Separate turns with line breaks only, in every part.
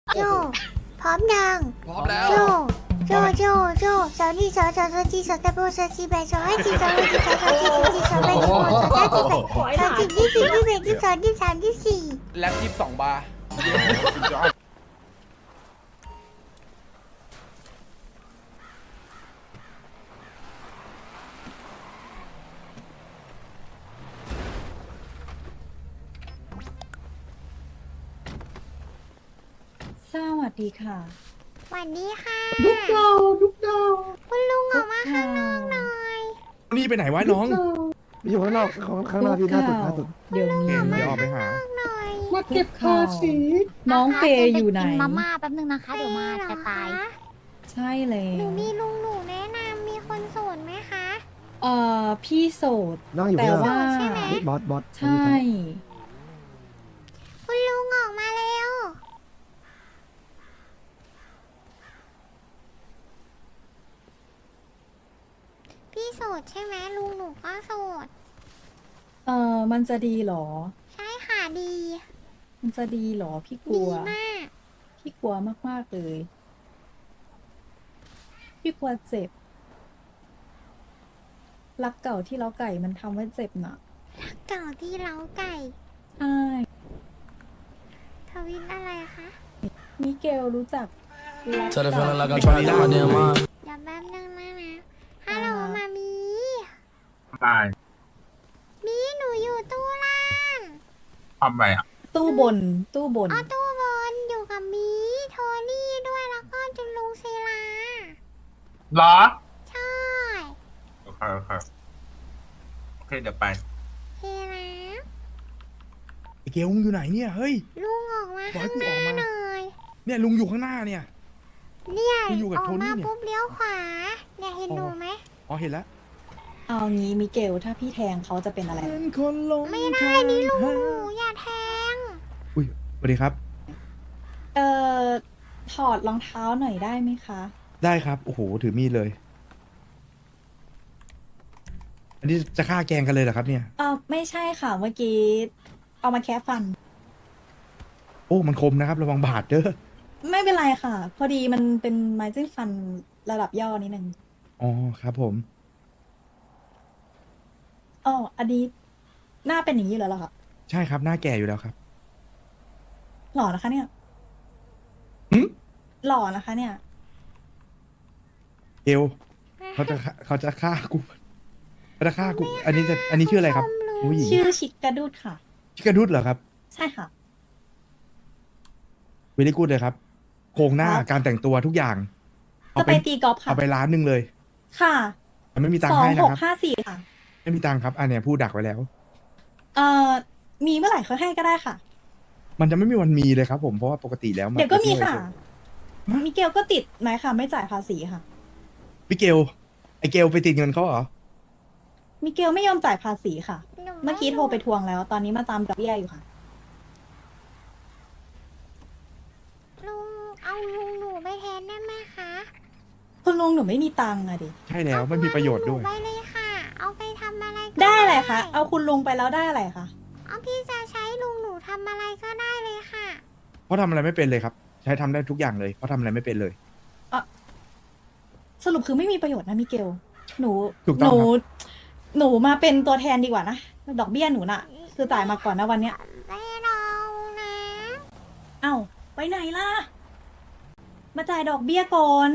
โจพร้อมยัง
พร้อมแล้ว
โจโจสาวนี่สาวจีสาวตะโบสาวจีแบสาวให้จีสาวให้จีสาวจีสาวจีสาวแบสาวสาวจีแบสาวจีที่สี่ที่แบที่สองที่สามที่สี่
แล็บ22 บาร์
สวัสดีค่ะ
สวัสดีค่ะ
ลูกเรา
คุณลุงออกมาข้างนอกหน่อย
นี่ไปไหนวะน้อง
อยู่ข้างนอกข้างหน้าพี่หน้าสุด
เดี๋ยว
โอเค
นี้
เดี๋ยวออกไปหา
หน่อย
มาเก็บภาษี
น้องเฟย์อยู่ไหน
กินมาม่าแป๊บนึงนะคะ เดี๋ยวมาจะตาย
ใช่แล้
หนู
ว
มีลุงหนูแนะนำมีคนโสดไหมคะ
พี่โสด
นั่งอยู่
แต่
ข้างหน้า
ว่า
ใช่ไหม
บอส
ใช่
คุณลุงออกมาเร็วพี่โสดใช่ไหมลุงหนูก็โสด
มันจะดีเหรอ
ใช่ค่ะดี
มันจะดีเหรอ พี่ก
ดี
ลัว
มาก
พี่กลัวมากๆเลย พี่กลัวเจ็บ รักเก่าที่เล้าไก่มันทำให้เจ็บน่ะ
เก่าที่เล้าไก่
ใช่
ทวิตอะไรคะ
มิเกลรู้จักรัก
Tell the
เก่า
feeling like I'm trying to get my damn mind.
เดี๋ยวแป๊บนึงนะฮัลโหลมามี
ตาย
มีหนูอยู่ตู้ล่าง
ทำไรอ่ะ
ตู้บน ตู้บน
อ๋อตู้บนอยู่กับมีโทนี่ด้วยแล้วก็จุนลุงศิลา
เหรอ
ใช่
โอเคเดี๋ยวไป
เฮนะ
ไอเกลมึงอยู่ไหนเนี่ย เฮ้ย
ลุงออกมา
บอกให้
ข้าง
กู
ห
ออก
น้า
มา
หน่อย
เนี่ยลุงอยู่ข้างหน้าเนี่ย
เนี่ย
ลุงอยู่กับ
ออก
โทนี่
มา
เนี่ย
ปุ๊บเลี้ยวขวาเนี่ยเห็นหนูไหม
อ๋อเห็นแล้ว
เอางี้มิเกลถ้าพี่แทงเขาจะเป็นอะไร
เป็นคนลง
ไม่ได้นี่ลุงหนูอย่าแทง
อุ้ยสวัสดีครับ
ถอดรองเท้าหน่อยได้ไหมคะ
ได้ครับ โอ้โห ถือมีดเลย อันนี้จะฆ่าแกล้งกันเลยเหรอครับเนี่ย
ไม่ใช่ค่ะเมื่อกี้ เอามาแคะฟัน
โอ้ มันคมนะครับ ระวังบาดเด้อ
ไม่เป็นไรค่ะ พอดีมันเป็นไม้จิ้มฟันระดับย่อนิดนึง
อ๋อ ครับผม
อ๋ออันนี้หน้าเป็นอย่างนี้แล้วเหรอคะ
ใช่ครับ หน้าแก่อยู่แล้วครับ
หล่อนะคะเนี่ย
หึ
หล่อนะคะเนี่ย
เกลเขาจะฆ่ากูเขาจะฆ่ากู อันนี้ชื่ออะไรครับผู้หญิง
ชื่อชิคกระดูดค่ะ
ชิคกระดุดเหรอครับ
ใช่ค่ะ
เวลี่กูดเลยครับ โครงหน้า
ครับ
การแต่งตัวทุกอย่าง
จะไปตีกอล์ฟค่ะ
เอาไปร้านหนึ่งเลย
ค่ะ
แต่ไม่มีตังค์ให้นะครับ
2654ค่ะ
ไม่มีตังค์ครับ อันเนี้ยพูดดักไว้แล้ว
มีเมื่อไหร่เขาให้ก็ได้ค่ะ
มันจะไม่มีวันมีเลยครับ ผมเพราะว่าปกติแล้วน
เดี๋ยวก็มีค่ะ
ฮะ
มิเกลก็ติดไหมค่ะ ไม่จ่ายภาษีค่ะ
พี่เกลไอเกลไปติดเงินเขาเหรอ
มิเกลไม่ยอมจ่ายภาษีค่ะ
หนู
เมื่อกี้โทรไปทวงแล้ว ตอนนี้มาตามดอกเบี้ยอยู่ค่ะ
ลุงเอาลุงหนูไปแทนได้ไหมคะ
คุณลุงหนูไม่มีตังค์อะดิ
ใช่แล้วไม่มีประโยชน์ด้วย
เอาไปเลยค่ะ เอาไปทำอะไรก็
ได้อะไรคะ เอาคุณลุงไปแล้วได้อะไรคะ
เอาพี่จะใช้ลุงหนูทำอะไรก็ได้เลยค่ะ
เพราะทำอะไรไม่เป็นเลยครับ ใช้ทำได้ทุกอย่างเลยเพราะทำอะไรไม่เป็นเลย
สรุปคือไม่มีประโยชน์นะมิเกล หนู
ถูก
ห
ต้อง
นู
ครับ
หนูมาเป็นตัวแทนดีกว่านะ ดอกเบี้ยหนูน่ะ คือจ่ายมาก่อนนะวันเนี้ย
ไม่เรานะ
เอ้าไปไหนล่ะ มาจ่ายดอกเบี้ยก่อน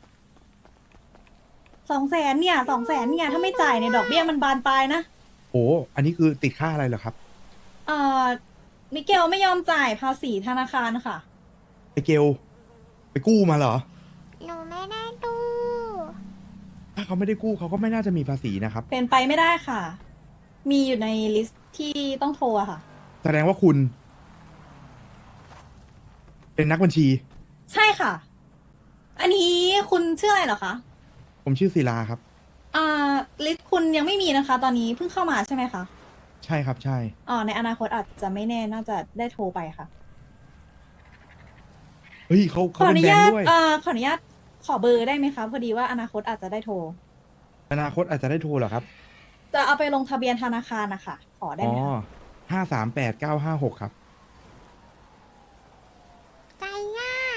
200,000เนี่ย200,000เนี่ยถ้าไม่จ่ายเนี่ยดอกเบี้ยมันบานปลายนะ
โอ้อันนี้คือติดค่าอะไรเหรอครับ
เอ่อมิเกลไม่ยอมจ่ายภาษีธนาคารค่ะ
ไอเกลไปกู้มาเหรอ
หนูไม่ได้ตู้
ถ้าเขาไม่ได้กู้เขาก็ไม่น่าจะมีภาษีนะครับ
เป็นไปไม่ได้ค่ะ มีอยู่ในลิสต์ที่ต้องโทรอะค่ะ
แสดงว่าคุณ เป็นนักบัญชี
ใช่ค่ะ อันนี้คุณชื่ออะไรเหรอคะ
ผมชื่อศิลาครับ
ลิสต์คุณยังไม่มีนะคะ ตอนนี้เพิ่งเข้ามาใช่ไหมคะ
ใช่ครับใช่
ในอนาคตอาจจะไม่แน่น่าจะได้โทรไปค่ะ
เฮ้ยเขา
ขออ
เป็น
นุ
แบง
ญา
ค์
ต
ด้วย
ขออนุญาตขอเบอร์ได้ไหมคะพอดีว่าอนาคตอาจจะได้โทร
อนาคตอาจจะได้โทรเหรอครับ
จะเอาไปลงทะเบียนธนาคารนะคะขอได้
อ๋
ไห
อ
มคะ
538-956ครับ
ใจง่าย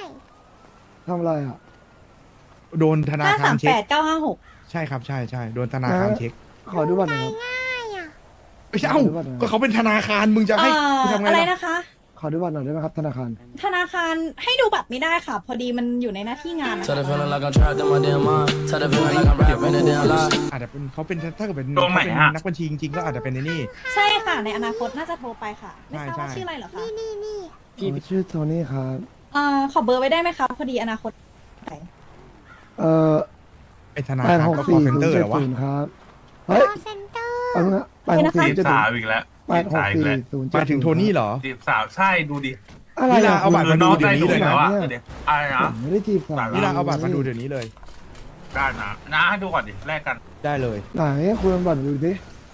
ทำอะไรอ่ะ
โดนธนาคารเช็ค
538-956
ใช่ครับใช่ใช่โดนธนาคารเช็ค
ขอดูบัตรหน่อยครับ
ง่ายอ่ะ
ไม่ใช่เอ้าก็เขาเป็นธนาคารมึงจะให้กูทำไง
อะไร
ล่ะ
นะคะ
ขอดูบัตรหน่อยได้ไหมครับธนาคาร
ธนาคารให้ดูบัตรไม่ได้ค่ะ พอดีมันอยู่ในหน้าที่งานนะ
Tell the feeling like I'm trapped in my damn mind. Tell the feeling like I'm rapping a damn lie.
อาจจะเป็นเขาเป็นถ้าเกิดเป็น
ตรงไหน
เขาเป็น
ฮะ
นักบัญชีจริงๆก็อาจจะเป็นในนี่
ใช่ค่ะ ในอนาคตน่าจะโทรไปค่ะ ไม่ทราบว่า
ใช่
ชื่ออะไรเหรอคะ
นี่
ชื่อโทนี่ครับ
ขอเบอร์ไว้ได้ไหมคะพอดีอนาคตไหน
เอ่อ
เป็นธนา
แป
คาร
ดหก
ก็
สี่
call
ศูน
center
ย์
เห
เจ็
ร
ด
อวะ
ศูนย์ครับ
ค
เฮ้ย
อเซ็นเตอร์
เอาเงี้ยแปดหกสี่
จีบ
เจ็ด
สาวอีกแล้ว
แปดหกสี่ศูนย์
หมายถึงโทนี่เหรอ
จีบสาวใช่ดูดิ
อะไร
นี่
อ่ะ
ล่ะเอาบัตรมาดูเดี๋ยวนี้เลยนะ
แล้วอะเดี๋ยวอะไร
ผ
นะ
มไม่ได้จีบสาว
นี่เราเอาบัตรมาดูเดี๋ยวนี้เลย
ได้นะให้ดูก่อนดิแลกกัน
ได้เลย
ไหนคุณเอาบัตรดูดิ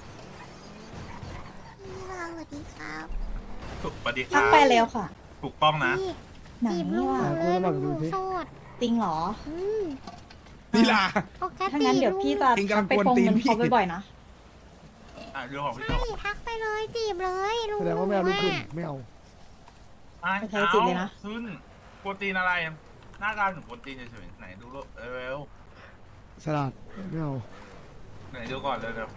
นี่ค่ะสวัสดีครับ
ถูกปฏิ
ทั
คาก
ไปแล้วค่ะ
ถูกต้องนะ
นี่
ไหน
จีบลุงห
อ่ะ
นูเลยลุงหนูโสด
จริงเหรอ
อืม
นี่ล่ะ
ปก
ถ้า
ติ
งั้นเดี๋ยวพี่จะ
จริงๆกำลัง
ไป
กวน
ทวง
ตีน
เงิน
พี่
เขาบ่อยๆนะ
เรื่องของพี่
ใช่
เจ้า
ทักไปเลยจีบเลยลุง
แสดงว่าไม่เอาลูกขึ้นไม่เอา
ไปใช้จิตเลยนะ
ขึ้นโปรตีนอะไร หน้าตาถึงโปรตีนเฉยๆไหนดูรูปเร็ว
ฉลาดไม่เอา
ๆไหนดูก่อนเร็ว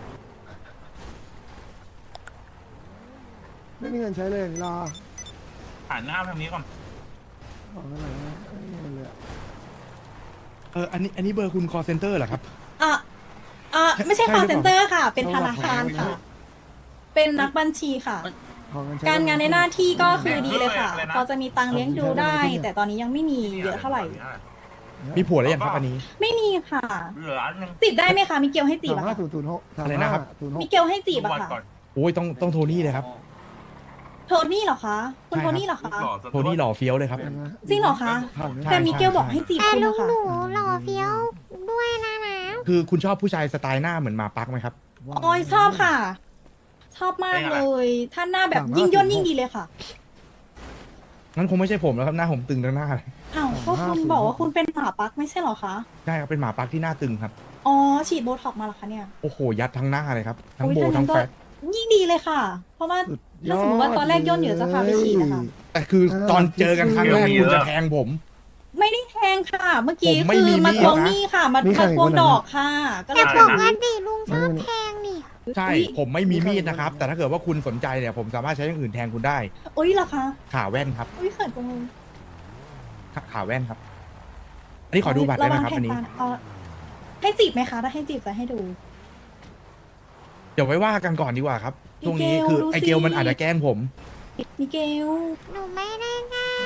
ไม่มีเงินใช้เลยลา
ๆหันหน้าทางนี้ก่อน
เอาเงินไหนไม่มีเงินเลยอะ
อันนี้เบอร์คุณ call center เหรอครับ
ไม่ใช่
ใช่
call
หรือเปล่า
center ค่ะ เป็นธนาคารค่ะ เป็นนักบัญชีค่ะ
ขอเงินใช้
การงานในหน้าที่ก็คือดีเลยค่ะ พอจะมีตังค์เลี้ยงดูได้ แต่ตอนนี้ยังไม่มีเยอะเท่าไหร่
มีผัวแล้วยังครับอันนี้
ไม่มีค่ะ
เหลืออันหนึง
จีบได้ไหมคะ มีเกลให้จีบ
สาม
อะ
ห้า
ค่ะ
ศูนย์ศูนย์หก
อะไรนะครับ
มีเกลให้จีบ
ดู
อะ
วัน
ค่ะ
ก่อน
โอ้ยต้องโทนี่เลยครับ
โทนี่เหรอคะ คุณ
ใช่ครับ
โทนี่เหรอคะ
หล่อซะ
โทนี่หล่อเฟี้ยวเลยครับ
จริงเหรอคะ
ผ่านไหม
ใช่
แต่มีเกลบอกให้จีบ
แต่
คุณ
ลุ
นะ
ง
คะ
หนูหล่อเฟี้ยวด้วยนะ
คือคุณชอบผู้ชายสไตล์หน้าเหมือนหมาปักไหมครับ
โอ้ยชอบค่ะ ชอบมากเลย ถ้าหน้าแบบยิ่งย่นยิ่งดีเลยค่ะ
งั้นคงไม่ใช่ผมแล้วครับหน้าผมตึงทั้งหน้าเลย
อ้าวก็คุณบอกว่าคุณเป็นหมาปักไม่ใช่เหรอคะ
ใช่ครับเป็นหมาปักที่หน้าตึงครับ
อ๋อ ฉีดโบท็อกซ์มาเหรอคะเนี่ย
โอ้โหยัดทั้งหน้าเลยครับทั้ง
โอ้ย
โบ
ถ้างั้
ทั้
น
ง
ก็
แฟต
ยิ่งดีเลยค่ะ เพราะว่า
สุดย
ถ้า
อด
สมมติว่าตอนแรกย่นอยู่จะพาไปฉีดนะคะ
แต่คือตอนเจอกันครั้งแรกคุณจะแทงผม
ไม่ได้แทงค่ะ เมื่อกี้
ผมไม่
คือ
มี
มา
มีด
ทวง
นะ
หนี้ค่ะ มาทวงดอกค่ะ ก็เล
แต่
ย
ปกติลุงชอบแทงนี่
ใช่ ผมไม่มีมีดนะครับ แต่ถ้าเกิดว่าคุณสนใจเนี่ยผมสามารถใช้อย่างอื่นแทงคุณได้
อุ้ยเหรอคะ
ขาแว่นครับ
อุ้ยเขินจังเลย
ขาแว่นครับ อันนี้ขอดูบัตรได้ไหมครับ
ะวัง
อันนี้
แทงตาให้จีบไหมคะ ถ้าให้จีบจะให้ดู
เดี๋ยวไว้ว่ากันก่อนดีกว่าครับ ช่วงนี้
มิเกล
คือ
ดูสิ
ไอเกลมันอาจจะแกล้งผม
มิเกล
หนูไม่ได้ง่าย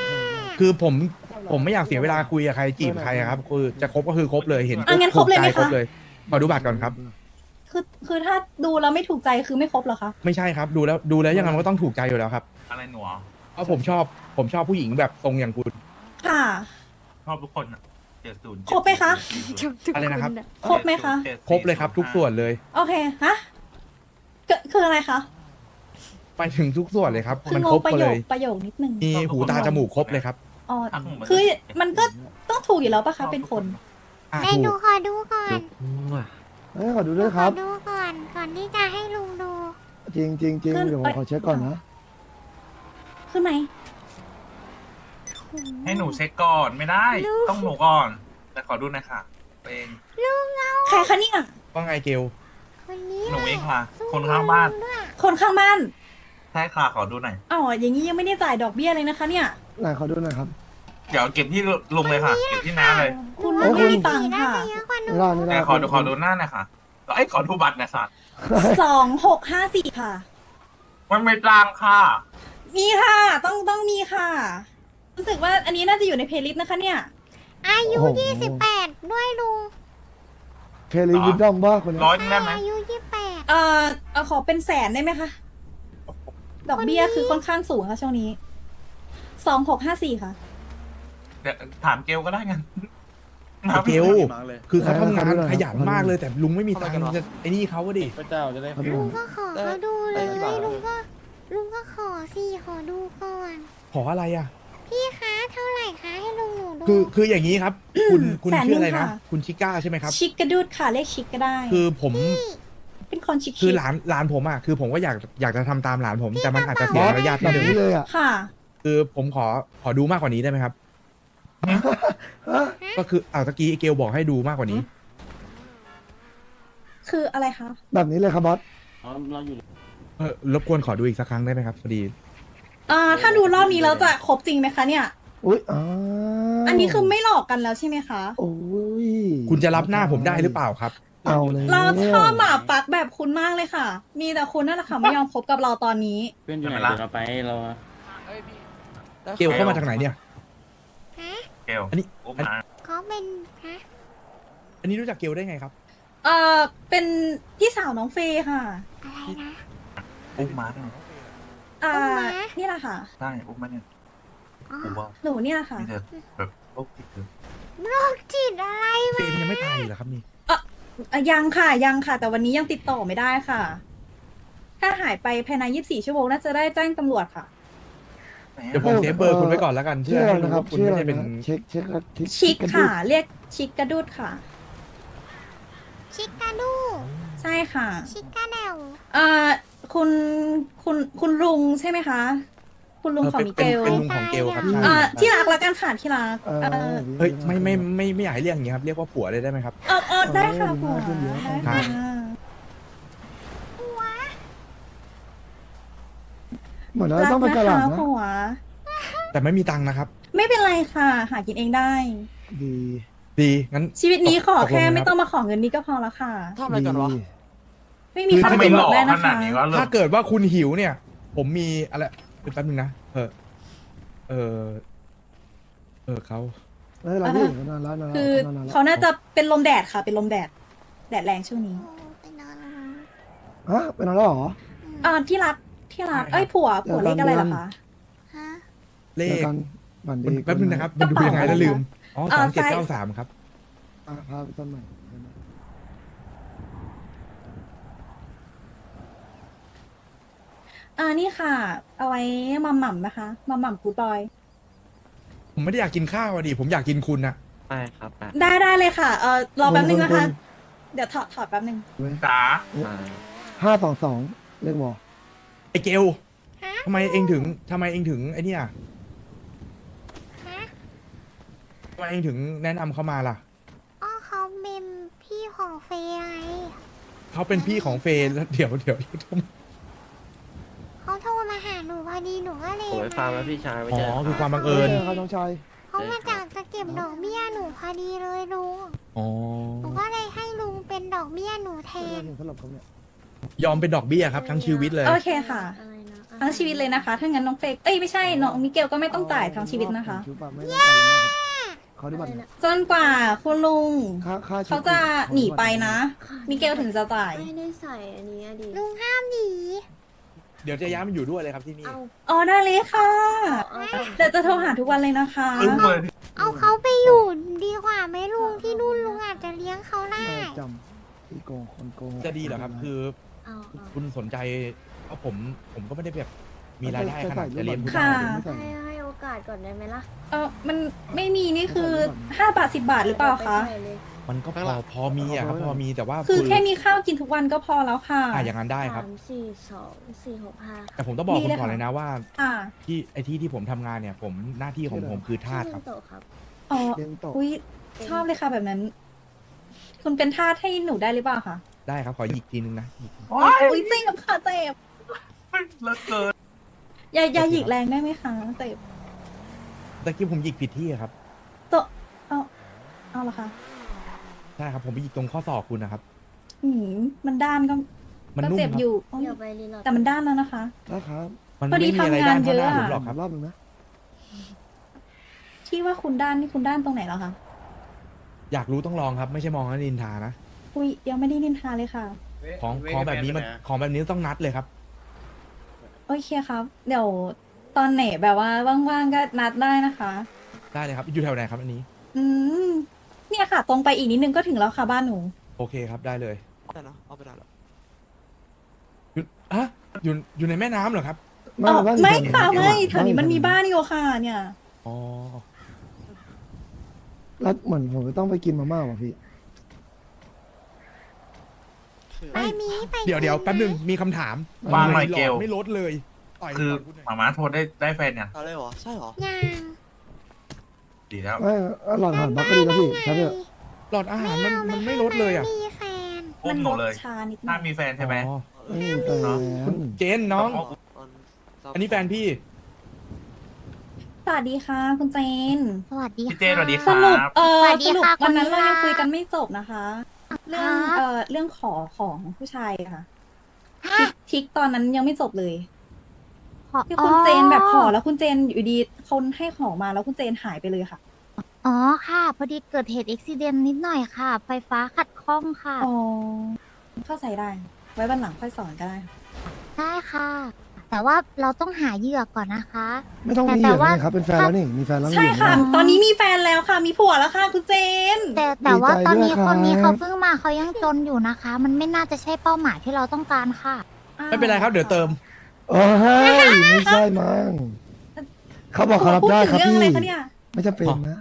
คือผมไม่อยากเสียเวลาคุยกับใครจีบใครอะครับ คือจะคบก็คือคบเลยเห็น
งั้นครบเลยไหม
ถูกใจ
คะ
เลยขอดูบัตรก่อนครับ
คือถ้าดูแล้วไม่ถูกใจคือไม่ครบเหรอคะ
ไม่ใช่ครับ ดูแล้วยังไงมันก็ต้องถูกใจอยู่แล้วครับ
อะไรหนูอ่ะ
เพราะผมชอบผู้หญิงแบบทรงอย่างคุณ
ค่ะ
ชอบทุกคนอ่ะ70
ครบไหมคะ
อะไรนะครับ
ครบไหมคะ
70
ครบเลยครับ ทุกส่วนเลย
โอเค ฮะคืออะไรคะ
ไปถึงทุกส่วนเลยครับ
คือ
มัน
ง
ครง บ
ประ
ไป
โย
เล
ค
ย
ประโยคนิดนึง
มีหูตาจมูกครบเลยครับ
อ๋อ คือมันก็ต้องถูกอยู่แล้วปะคะ เป็นคน
อ่ะ
ให้
ถู
หนู
ก
ขอดูก่อน
เอ้ยขอดูด้วยครับ
ขอดูก่อนที่จะให้ลุงดู
จริงจริงจริงเดี๋ยวผมขอเช็คก่อนนะ
ขึ้นไหม
ให้หนูเช็คก่อนไม่ได้ ต้องหนูก่อน แต่ขอดูหน่อยค่ะเอง
ใครคะเนี่ย
ว่าไงเกล
คนนี้
หนูเองค่ะ
สู้
คนข้างบ้าน
ลุด้วย
คนข้างบ้าน
ใช่ค่ะขอดูหน่อย
อ๋อ อย่างนี้ยังไม่ได้จ่ายดอกเบี้ยเลยนะคะเนี่ย
ไหนขอดูหน่อยครับ
เดี๋ยวเก็บที่ลุงเลยค่ะ เก็บที่น้าเลย
คุณ
เอ้ย
ไม่มีตังค์
น่า
ค่ะ
จะเยอะกว่าหนู
ไม่ได้ไม่ได้
แต่ขอดูหน้าหน่อยค่ะไอ้ยขอดูบัตรหน่อยค่ะ
2654 ค่ะ
มันไม่ตางค่ะ
มีค่ะ ต้องมีค่ะ รู้สึกว่าอันนี้น่าจะอยู่ในเพลย์ลิสต์นะคะเนี่ย
อายุ
โอ้โห
28 ด้วยลุง
เคลีวิดดอมบ้าคนเนี้ย
ร้อยนึงได้ไหม
อายุ
ขอเป็นแสนได้ไหมคะ ดอกเบี้ยคือค่อนข้างสูงค่ะช่วงนี้ 2654 ค่ะ
เดี๋ยวถามเกลก็ได้งั้น
ไอ้เกลคือเขาทำงานขยันมากเลยแต่ลุงไม่มีตังค์จะไอ้นี่เขาก็ดิ
พระเจ้าจะได้
ขอดู
28 ลุง
หน่อย
ก็ขอเขาดูเลย
ได้กี่บาท
ลุงก็ขอสิขอดูก่อน
ขออะไรอ่ะ
พี่คะเท่าไหร่คะให้ลุงหนูดู
คืออย่างนี้ครับ คุณ
แสนหนึ่ง
ชื่ออะไรนะ
ค่ะ
คุณชิก้าใช่ไหมครับ
ชิคกระดูดค่ะ เลขชิคก็ได้
คือผม
เป็นคนชิค
คือหลานผมอ่ะคือผมก็อยากจะทำตามหลานผม แต่มันอาจจะเสียมารยาท
แบ
นิด
บ
นึง
นี้เลยอ่ะ
ค่ะ
คือผมขอดูมากกว่านี้ได้ไหมครับก็คือตะกี้ไอ้เกลบอกให้ดูมากกว่านี้
คืออะไรคะ
แบบนี้เลยครับบอส
รบกวนขอดูอีกสักครั้งได้ไหมครับพอดี
ถ้าดูรอบนี้แล้วจะครบจริงไหมคะเนี่ย
อุ้ย
อันนี้คือไม่หลอกกันแล้วใช่ไหมคะ
โอ้ย
คุณจะรับหน้าผมได้หรือเปล่าครับ
เอาเลย
เราชอบหมาปักแบบคุณมากเลยค่ะ มีแต่คุณนั่นแหละค่ะไม่ยอมคบกับเราตอนนี้
เป็นอยู่ไหนเดี๋ยวเราไปเรา
เกลเข้ามาจากไหนเนี่ย
ฮะ
เกล
อันนี้
อุ้มมา
เขาเป็นฮะ
อันนี้รู้จักเกลได้ไงครับ
เป็นพี่สาวน้องเฟย์ค่ะ
อะไรนะ
อุ้มมาเนี่ย
นี่แหละค่ะ
ใช่อุ้มมาเนี่ย
อ๋อ
กูว่า
หนูเนี่ยค่ะ
นี่เธอแบบโรคติดเธอ
โรคจิตอะไร
เฟรมยังไม่ตายเหรอครับนี่
ยังค่ะยังค่ะ แต่วันนี้ยังติดต่อไม่ได้ค่ะ ถ้าหายไปภายใน24 ชั่วโมงน่าจะได้แจ้งตำรวจค่ะ
เดี๋ยวผมเซฟเบอร์คุณไว้ก่อนแล้วกัน
ชื่ออะไรนะครับ
คุณ
ชื่อ
ไม่
อะไร
ได้เป็น
นะเช็ค
ชิคค่ะ เรียกชิคกระดุดค่ะ
ชิกาดู
ใช่ค่ะ
ชิกาเดว
คุณลุงใช่ไหมคะ คุณลุงของมิเกล
เป็นลุงของเกลครับใช่
ที่รักละกันค่ะที่รัก
เฮ้ยไม่อยากให้เรียกอย่างนี้ครับเรียกว่าผัวเลยได้ไหมครับ
ได้ค่ะผัวได้
ครั
ค่ะ
บ
เหมือนเรา
รัก
ต้องไป
นะ
ตลา
คะ
ดนะ
ผัว
แต่ไม่มีตังค์นะครับ
ไม่เป็นไรค่ะ หากินเองได้
ดี
ดีงั้น
ชีวิตนี้ขอแค่
ตกลงนะครับ
ไม่ต้องมาขอเงินนี้ก็พอแล้วค่ะ
ทำอะไรกันวะ
ดี
ไม่มี
ถ้า
ค่า
ไม่
ตัว
หล่อ
ได้
ข
นะ
นา
คะ
ดนี้ก็เริ่
ถ้าม เกิดว่าคุณหิวเนี่ย ผมมีอะไรแป๊บนึงนะเขา
ไม่เป็นไรพี่นานแล้วนานแล้ว
คือน
านแล้ว
เขาน่าจะเป็นลมแดดค่ะ เป็นลมแดด แดดแรงช่วงนี้
โอ้เป็นอะไร
ฮะเป็นอะไรเหรอ
ที่รักเอ้ยผัวเลขอะไรเหรอคะ
ฮะ
เล
เจอ
ข
กันบัน
มัน
ดี
แป๊บนึงนะครับ มันดูยังไงแล้วลืม อ๋อ 2793 ครับ
พาไปต้นใหม่
นี่ค่ะ เอาไว้มัมหม่ำนะคะมัมหม่ำกูดบอย
ผมไม่ได้อยากกินข้าวอ่ะดิ ผมอยากกินคุณอะ
ไปครับไป
ได้เลยค่ะ รอแป๊บนึงนะคะ เดี๋ยวถอดแป๊บนึง
จ๋า
522เลขบอ
ไอเกล
ฮะ
ทำไมเองถึงไอเนี่ย
ฮะ
ทำไมเองถึงแนะนำเขามาล่ะ
อ๋อเขาเป็นพี่ของเฟย์ไง
เขาเป็นพี่ของเฟย์แล้วเดี๋ยว
เขาโทรมาหาหนูพอดีหนูก็เลย
ผมไปฟาร์มแล้วพี่ชายไม่
อ๋
เจอ
อ คือความบังเอิญ
ครับน้องชาย
เขามาจากจะเก็บดอกเบี้ยหนูพอดีเลยลุง
อ๋อ
หนูก็เลยให้ลุงเป็นดอกเบี้ยหนูแทน
สำหรับเขาเนี่ย
ยอมเป็นดอกเบี้ยครับทั้งชีวิตเลย
โอเคค่ะ ทั้งชีวิตเลยนะคะ ถ้างั้นน้องเฟกไม่ใช่ น้องมิเกลก็ไม่ต้องจ่ายทั้งชีวิตนะคะ
เขาได้บัตรนะ
จนกว่าคุณลุง
ค่า
เขาจะหนีไปนะ มิเกลถึงจะจ่าย
ไม่ได้ใส่อันนี้อะดิ
ลุงห้ามหนี
เดี๋ยวจะย้ายมาอยู่ด้วยเลยครับที่นี่
อ๋อได้เลยค่ะ
เอา
เดี๋ยวจะโทรหาทุกวันเลยนะคะ
อึ้งเลย
เอาเขาไปอยู่ดีกว่าไหมลุงที่นู่นลุงอาจจะเลี้ยงเขาได้
จำที่โกงคนโกง
จะดีเหรอครับ คือ
เอาเอา
คุณสนใจเพราะผมก็ไม่ได้แบบมีรายได้ขนาดจะเลี้ยงคุณ
ค่ะ
ได้
ให้โอกาสก่อนได้ไหมล่ะ
มันไม่มีนี่คือ5 บาท 10 บาทหรือเปล่าคะ
ไปใส่เลย
มันก็พอมีอะครับพอมีแต่ว่า
คือแค่มีข้าวกินทุกวันก็พอแล้วค่ะ
อย่างนั้นได้ครับ
3 4 2 4 6 5
แต่ผมต้องบอก
ดี
คุณ
เลย
ก่อน
ค่ะ
เลยนะว่า
อ่า
ที่ผมทำงานเนี่ยผมหน้าที่ของผมคือทาสครับ
โตะครับ
อ๋อ
เลี้ยงโต
อุ้ยชอบเลยค่ะแบบนั้น คุณเป็นทาสให้หนูได้หรือเปล่าคะ
ได้ครับขอหยิกทีนึงนะหยิก
โอ๊ย
อุ้ยเจ็บค่ะเจ็บ
เลิศเกิน
อย่าหยิกแรงได้ไหมคะเจ็บ
ตะกี้ผมหยิกผิดที่อะครับ
เอาละค่ะ
ใช่ครับผมไปหยิกตรงข้อศอกคุณนะครับ
มันด้านก็
มัน
ก็
นุ่ม
เจ็บ
ครับ
อยู่
อย่าไปรีโหลด
แต่มันด้านแล้วนะคะ
นะครับ
มัน
พอดี
ไม่มีอะไร
ทำงาน
ด้านเท่าหน้า
เยอะอะ
ผมหรอกครับ
รอบนึงนะ
ที่ว่าคุณด้านนี่คุณด้านตรงไหนแล้วคะ
อยากรู้ต้องลองครับ ไม่ใช่มองแล้วนินทานะ
อุ้ยยังไม่ได้นินทาเลยค่ะ
ของแบบนี้ต้องนัดเลยครับ
โอเคครับ เดี๋ยวตอนไหนแบบว่าว่างๆก็นัดได้นะคะ
ได้เลยครับ อยู่แถวไหนครับอันนี้
เนี่ยค่ะ ตรงไปอีกนิดนึงก็ถึงแล้วค่ะบ้านหนู
โอเคครับได้เลย
ได้เนาะเอาไปได้แล้ว
อยู่ในแม่น้ำเหรอครับ
ไม่ค่ะไม่แถวนี้มันมีบ้านอยู่ค่ะ เนี่ย
อ๋อ
แล้วเหมือนผมจะต้องไปกินมาม่าว่ะพี่
ไปมีไป
เดี๋ยวแป๊บนึงมีคำถาม
วางหน่อย
ทำไม
เกล
หไม่ลดเลยต่อย
คือ
คุณหน่อย
หมาม้าโทรได้แฟนยัง
อะไรหรอ ใช่หรอ
ยัง
เก
ดีแล้ว
ไม่หลอดอาหารบักก็ดีแล้วพี่ใช่ไหม
หลอดอาหารมันไม่ลดเลยอ่ะ
มีแฟน
อุ้
มั
ม
น
ห
ล
นู
ด
เลย
ชานิดหน่
ถ้า
อย
มีแฟนใช่ไหม
อ๋อ
ไม่มีแฟน
คุณเจนน้อง อันนี้แฟนพี่
สวัสดีค่ะ คุณเจน
สวัสดี
พี่เจนสวัสดีค
ส
รั
รุป
บ
สวัสดี
สรุป
ค่ะ
วันนั้น
คุณ
เรา
ลีลา
ยังคุยกันไม่จบนะคะ เรื่อง
ค่ะ
เรื่องของผู้ชายอะค่ะทิกตอนนั้นยังไม่จบเลยที่คุณเจนแบบขอแล้วคุณเจนอยู่ดีคนให้ของมาแล้วคุณเจนหายไปเลยค่ะ
อ๋อค่ะ พอดีเกิดเหตุอุบิเหตุนิดหน่อยค่ะ ไฟฟ้าขัดข้องค่ะ
อ๋อเข้าใจได้ ไว้วันหลังค่อยสอนก็ได้
ได้ค่ะ แต่ว่าเราต้องหาเหยื่อก่อนนะคะ
ไม่ต้องมี
แต่
เหยื่อ
ว่า
นะครับเป็นแฟนแล้วนี่มีแฟนแล้ว
ใช่
มีเหยื่อ
ค่ะ
แล้ว
ตอนนี้มีแฟนแล้วค่ะ มีผัวแล้วค่ะคุณเจน
แต่ว่า
ดีใจ
ตอนนี้
ด้วยครับ
คนนี้เขาเพิ่งมาเขายังจนอยู่นะคะ มันไม่น่าจะใช่เป้าหมายที่เราต้องการค่ะ
ไม่เป็นไรครับเดี๋ยวเติม
โอ้ยไม่ใช่มั้งเขาบอกเขารับได้ครับ
พูดถึง
พี่
เรื่องอะไรคะเนี่ย
ไม่จำเป็นนะ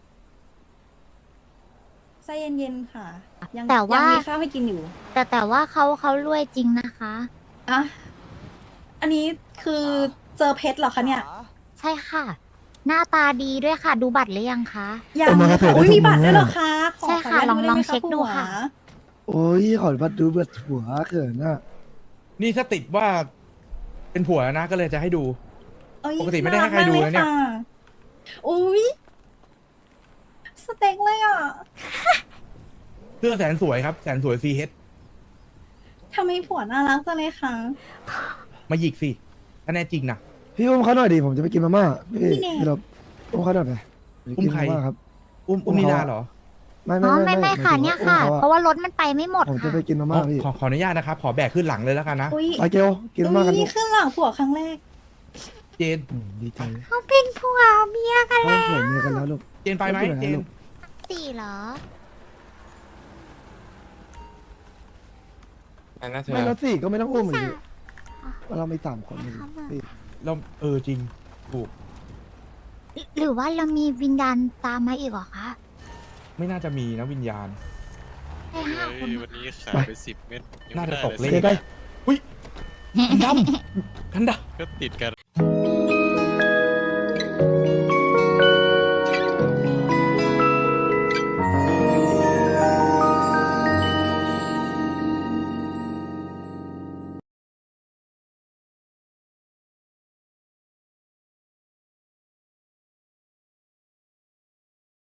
ใจเย็นๆค่ะ ยัง
แต่ว่า
ยังมีข้าวให้กินอยู่
แต่ว่าเขารวยจริงนะคะ
อ่ะอันนี้คือเจอเพชรเหรอคะเนี่ย
ใช่ค่ะ หน้าตาดีด้วยค่ะ ดูบัตรหรือยังคะ
ยัง
เอามา
เลย
เถ
ค่ะ
อะ
อุ้ย
ได้ทุก
มีบัตร
มื้อ
ด้วยเหรอคะ
ใช่ค่ะ
ขออนุญาต
ลอง
ได้ไหม
เช็คดูค่ะ
ผัว
โอ้ยขอบัตรดูบัตรหัวเขินอ่ะ
นี่ถ้าติดว่าเป็นผัวนะก็เลยจะให้ดู
เอ้ย
ปกติไม่ได้ให้ใครดูนะเนี่ย
ารักมากลค่ะอุ้ยสเต็กเลยอ่ะ
เสื้อแสนสวยครับ แสนสวยซีเฮด
ทำไมผัวน่ารักจังเลยคะ
มาหยิกสิถ้าแน่จริงนะ
พี่อุ้มเขาหน่อยดิผมจะไปกินมาม่าพี่
พี่เนย
พี่เราอุ้มเขาหน่อยไปไป
อุ้ม
กิน
ใคร
มาม่าครับ
อุ้มนิลาเหรอ
ไม่
อ๋อไม่ค่ะ
หาถึง
เนี่ย
ว่า
ค่ะ
อุ้ม
เพราะว่ารถมันไปไม่หมด
ผมจะ
ค่ะ
ไปกินมาม่าพี่
ขออนุญาตนะครับ ขอแบกขึ้นหลังเลยแล้วกันนะ
อุ้ย
ไปเกลกินมาม่ากัน
อุ้
ลู
ย
ก
ขึ้นหลังผัวครั้งแรก
เจน
ดีใจ
เขาเป็นผัวเมียกัน
เขาเขินเมียกันแล้วลูก
เจนไปไหม
ไม่เป็นไร
เจน
ลูก
สี่เหรอ
อันนั้นเธอ
ไม่แล้วสี่ก็ไม่ต้องอุ้มเลย
สาม
พี่เราไม่สามคนเลย
ครับ
สี่
เราจริงถูก
หรือว่าเรามีวิญญาณตามมาอีกเหรอคะ
ไม่น่าจะมีนะวิญญาณ
ให้ห้าคน
วันนี้ขายไป10 เม็ดยัง
น่า
ไม่
จะ
ได้
ตกเล
เลย
ข
ได้
อุ้ยกันดำกันดำ
ก็ติดกัน